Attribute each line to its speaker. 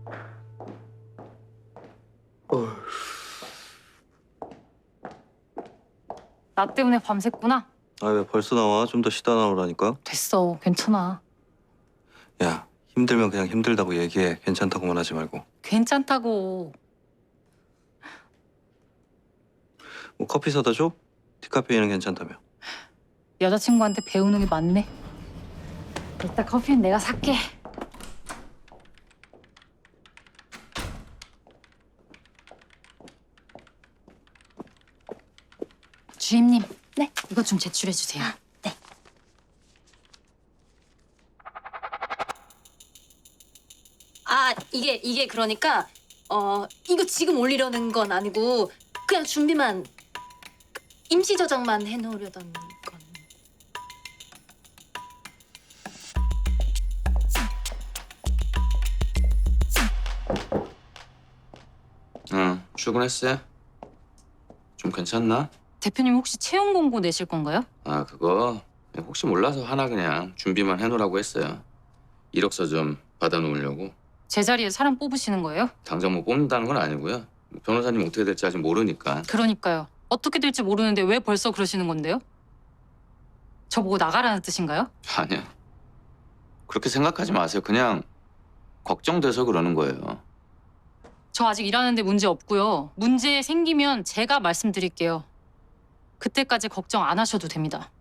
Speaker 1: 나 때문에 밤샜구나?
Speaker 2: 아, 왜 벌써 나와? 좀 더 쉬다 나오라니까.
Speaker 1: 됐어, 괜찮아.
Speaker 2: 야, 힘들면 그냥 힘들다고 얘기해. 괜찮다고만 하지 말고.
Speaker 1: 괜찮다고.
Speaker 2: 뭐 커피 사다 줘? 디카페인은 괜찮다며.
Speaker 1: 여자친구한테 배우는 게 많네. 일단 커피는 내가 살게. 주임님, 네, 이것 좀 제출해 주세요. 네.
Speaker 3: 이게 그러니까 이거 지금 올리려는 건 아니고 그냥 준비만 임시 저장만 해놓으려던 건.
Speaker 4: 응, 출근했어? 좀 괜찮나?
Speaker 1: 대표님 혹시 채용 공고 내실 건가요?
Speaker 4: 아, 그거 혹시 몰라서 하나 그냥 준비만 해놓으라고 했어요. 이력서 좀 받아놓으려고.
Speaker 1: 제 자리에 사람 뽑으시는 거예요?
Speaker 4: 당장 뭐 뽑는다는 건 아니고요. 변호사님 어떻게 될지 아직 모르니까.
Speaker 1: 그러니까요. 어떻게 될지 모르는데 왜 벌써 그러시는 건데요? 저보고 나가라는 뜻인가요?
Speaker 4: 아니야. 그렇게 생각하지 마세요. 그냥 걱정돼서 그러는 거예요.
Speaker 1: 저 아직 일하는데 문제 없고요. 문제 생기면 제가 말씀드릴게요. 그때까지 걱정 안 하셔도 됩니다.